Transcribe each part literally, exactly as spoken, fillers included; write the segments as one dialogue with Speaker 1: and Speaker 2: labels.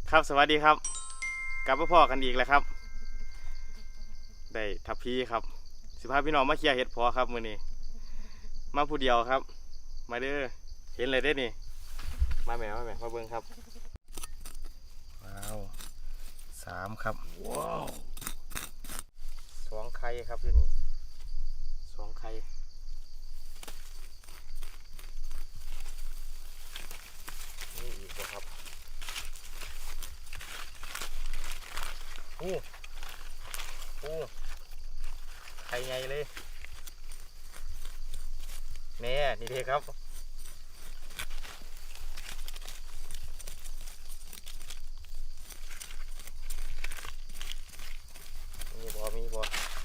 Speaker 1: ครับสวัสดีครับกลับมาพ่อกันอีกแล้วครับได้ทัพพีครับสิพาพี่น้องมาเคลียร์เห็ดพอครับมื้อนี้มาผู้เดียวครับมาเด้อเห็นเลยได้นี่มาแม่มาแม่มาเบิ่งครับว้าวสามครับว้าวสองไข่ครับอยู่นี่สองไข่นี่อีกแล้วครับโอ้โอ้ไข่ใหญ่เลยแน่นี่เด้ครับมีบ่มีบ่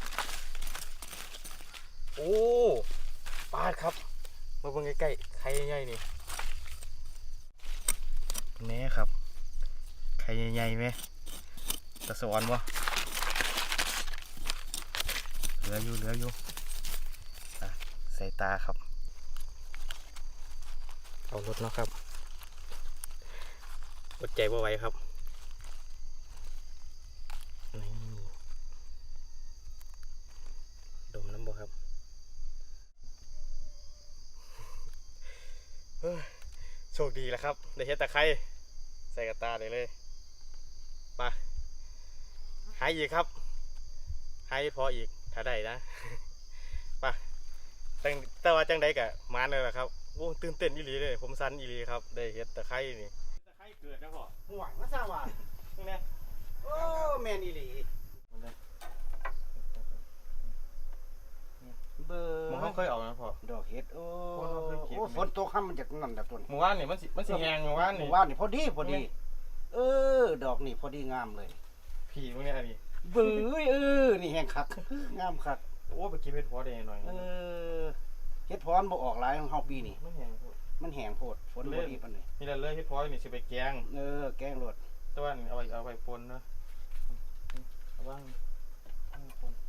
Speaker 1: โอ้ปาดครับมาเบิ่งใกล้ๆไข่ใหญ่ๆนี่แน่ครับไข่ใหญ่ๆไหมตะสอนวะเหลืออยู่เหลืออยู่ใส่ตาครับเอารถเนาะครับอดใจบ่ไหวครับนี่ดมน้ำบ่ครับโชคดีแล้วครับได้เห็ดตะไคร้ใส่กระตาเลยเลยไปหายอีกครับหายพออีกถ้าได้นะไปแต่แต่ว่าจังได้กะมาเลยแหละครับโอ้ตื่นเต้นอีหลีเลยผมสันอีหลีครับได้เห็ดตะไคร้นี่ตะไคร้เกิดนะพ่อห่วงมาซะว่านี่นะโอ้แมนอีหลีเบอร์มันเคยออกนะพ่อ
Speaker 2: ดอกเห็ดโอ้โอ้ฝนตกข้ามมันจากนั่นจากต้น
Speaker 1: หมู่บ้านนี่มันสิมันสิแหงหมู่บ้านนี่
Speaker 2: หมู่บ้านนี่พอดีพอดีเออดอกนี่พอดีงามเลย
Speaker 1: พี่พวกนี้อันนี้
Speaker 2: บื้อเออนี่แห้งคักงามคัก
Speaker 1: โอ้ไปกินเห็ดพอได้หน่อย
Speaker 2: เออเห็ดพอนบ่ออกหลายของเฮาปีนี่
Speaker 1: มันแหงโพด
Speaker 2: มันแห้งโพดฝนบ่ดีปานนี้
Speaker 1: นี่ละเลยเห็ดพอนี่สิไปแกง
Speaker 2: เออแกงรส
Speaker 1: ตะวันเอาไปเอาไปปนเนาะเอาบ้างปน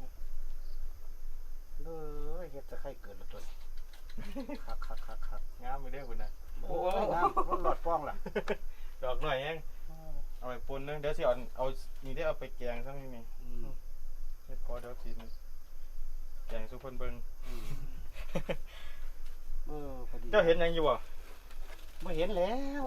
Speaker 2: เออเห็ดจะไข่เกิดละต้นคักคักคักคัก
Speaker 1: งามไปเด้อคุณนะ
Speaker 2: โอ้งามมันหลอดป้องล่ะ
Speaker 1: ดอกหน่อยยังเอาไปปนเนาะเดี๋ยวสิเอาเอานี่ได้เอาไปแกงซะนี่นี่เฮ็ดพอเดี๋ยวสิแกงสุพรรณเบิ่ง
Speaker 2: เออพอดี
Speaker 1: เจ้าเห็นยังอยู่บ่
Speaker 2: บ่เห็นแล้ว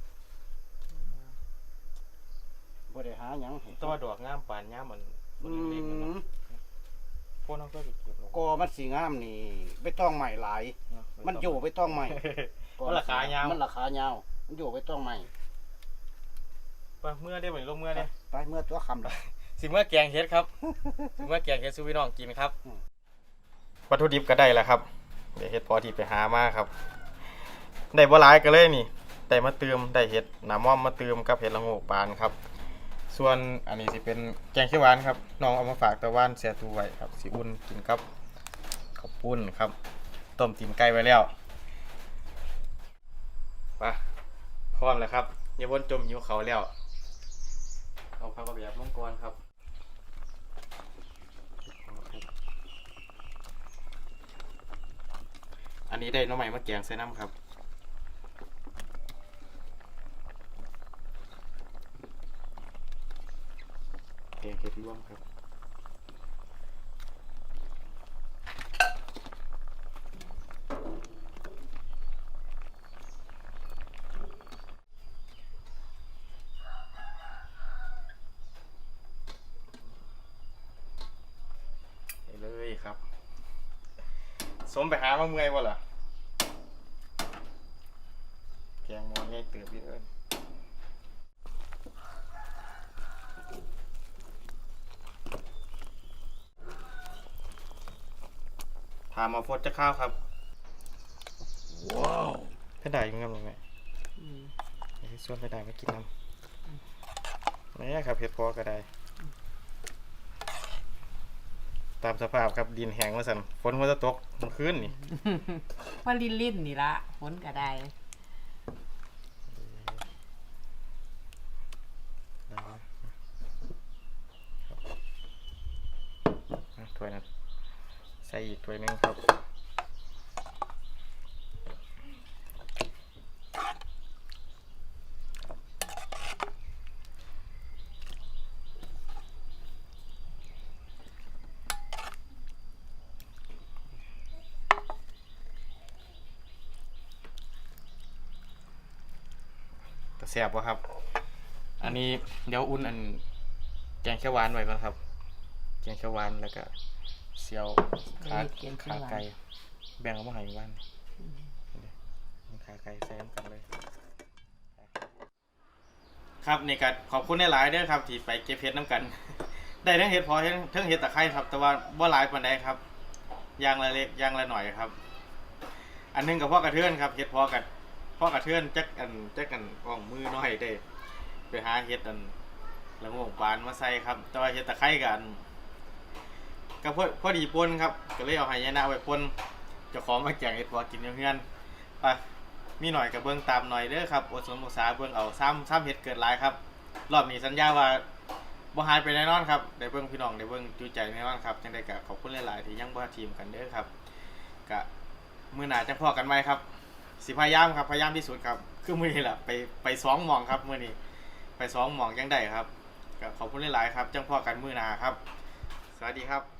Speaker 2: บ่ได้หาหยัง
Speaker 1: ตัวดอกงามปานงามมันคนเล็กๆเนาะพวกน้องก็ไปเก็บ
Speaker 2: ก็มันสีงามนี่ไม่ต้องใหม่หลายมันอยู่ไม่ต้องใหม่
Speaker 1: มันราคายาว
Speaker 2: มันราคายาวมันอยู่ไม่ต้องใหม่
Speaker 1: ไปเมื่อได้บ่ลงเมื่อได้
Speaker 2: ไปเมื่อตัวคำละ
Speaker 1: สิเมื่อแกงเฮ็ดครับสิเมื่อแกงเฮ็ดสู่พี่น้องกินครับวัตถุดิบก็ได้แล้วครับเดี๋ยวเฮ็ดพอที่ไปหามาครับได้บ่หลายก็เลยนี่ได้มาเติมได้เฮ็ดน้ำม่อมมาเติมกับเฮ็ดละโงกปานครับส่วนอันนี้สิเป็นแกงเขียวหวานครับน้องเอามาฝากตะวันเสียตู้ไว้ครับสิอุ่นกินกับข้าวปุ้นครับต้มตีนไก่ไว้แล้วไปพร้อมแล้วครับอย่าวนจมหิวเขาแล้วเอาผักกระเบียบลงก่อนครับอันนี้ได้น้องใหม่มาแกงใส่น้ำครับแกงเห็ดร่วมครับเลยครับสมไปหามาเมื่อยบ่ล่ะแกงมอนง่ายเติบพี่เอิญถามมาฟดจะข้าวครับว้าวให้ได้ยังไงบ้างไงให้ส่วนให้ได้มากินน้ำนี่ครับเห็ดพอก็ได้ตามสภาพครับดินแห้งมาสั่นฝนมันจะตกมันคืนนี่
Speaker 3: ว่าลิ้นลิ้นนี่ละฝนก็ได้
Speaker 1: ถ้วยนั้นใส่อีกถ้วยนึงครับแซ่บบ่ครับ อันนี้เดี๋ยวอุ่นอันแกงเขียวหวานไว้ก่อนครับ แกงเขียวหวานแล้วก็เสียวขาขาไก่แบ่งเอามาให้บ้านขาไก่ใส่น้ำกันเลย ครับนี่ก็ขอบคุณหลายๆเด้อครับที่ไปเก็บเห็ดน้ำกัน ได้ทั้งเห็ดพอทั้งทั้งเห็ดตะไคร้ครับ แต่ว่าบ่หลายปานใดครับยางละเล็กยางละหน่อยครับ อันนึงกับพ่อกระเทือนครับเห็ดพอกับพ่อกระเทือนจักอันจักกันอ่องมือน้อยได้ไปหาเห็ดอันละโงงปานมาใส่ครับแต่ว่าเห็ดตะไคร้กันก็พอพอดีปนครับก็เลยเอาไหยนะไว้ปนเจ้าของมาแกงเห็ดพอกินเพื่อนๆไปมีหน่อยกับเบื้องตามหน่อยเด้อครับอดสมศึกษาเบื้องเอาซ้ำซ้ำเห็ดเกิดหลายครับรอบนี้สัญญาว่าบ่หายไปแน่นอนครับได้เบื้องพี่น้องได้เบื้องจูใจแน่นอนครับจังได้ก็ขอบคุณหลายๆที่ยังบ่ทีมกันเด้อครับก็มื้อหน้าจะพอกันไหมครับสิพยายามครับพยายามที่สุดครับคือมื้อนี้แหละไปไปสองหม่องครับมื้อนี้ไปสองหม่องยังได้ครับก็ขอบคุณหลายๆครับจังพอกันมื้อหน้าครับสวัสดีครับ